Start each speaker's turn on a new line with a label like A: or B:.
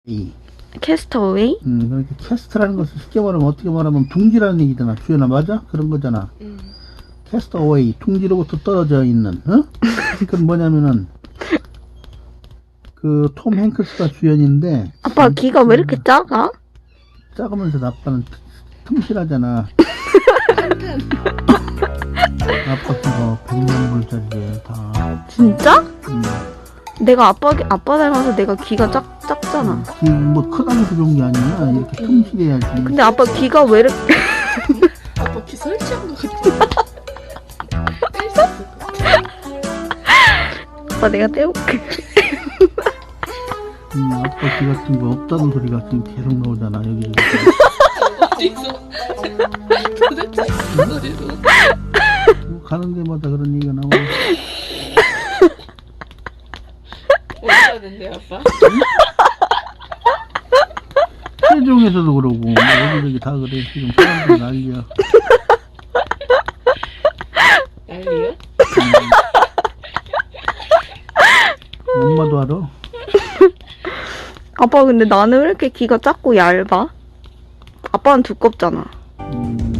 A: 이.
B: 캐스터웨이?
A: 그러니까 캐스트라는 것을 쉽게 말하면 어떻게 말하면 둥지라는 얘기잖아. 주연아 맞아? 그런 거잖아. 캐스터웨이 둥지로부터 떨어져 있는. 어? 그건 뭐냐면은 그 톰 행크스가 주연인데.
B: 아빠 귀가 왜 이렇게 작아?
A: 작으면서 아빠는 틈실하잖아. 아빠 그거 100만 불짜리래 다.
B: 진짜? 내가 아빠 닮아서 내가 귀가 작잖아.
A: 귀 뭐 크다면서 좋은 게 아니야. 이렇게 틈실해야지.
B: 근데 아빠 귀가 왜 이렇게
C: 아빠 귀 설치한 것 같아. 뗄수 있을 것 같아.
B: 아빠 내가 떼올게.
A: 아빠 귀 같은 거 없다는 소리가 지금 계속 나오잖아 여기저기.
C: 어디서? 도대체 무슨 소리로?
A: 가는 데마다 그런 얘기가 나오고.
C: 어디 가는데 아빠?
A: 세종에서도 그러고 뭐 여기저기 다 그래. 지금 사람들 난리야.
C: 난리야?
A: 엄마도 알아.
B: 아빠 근데 나는 왜 이렇게 귀가 작고 얇아? 아빠는 두껍잖아.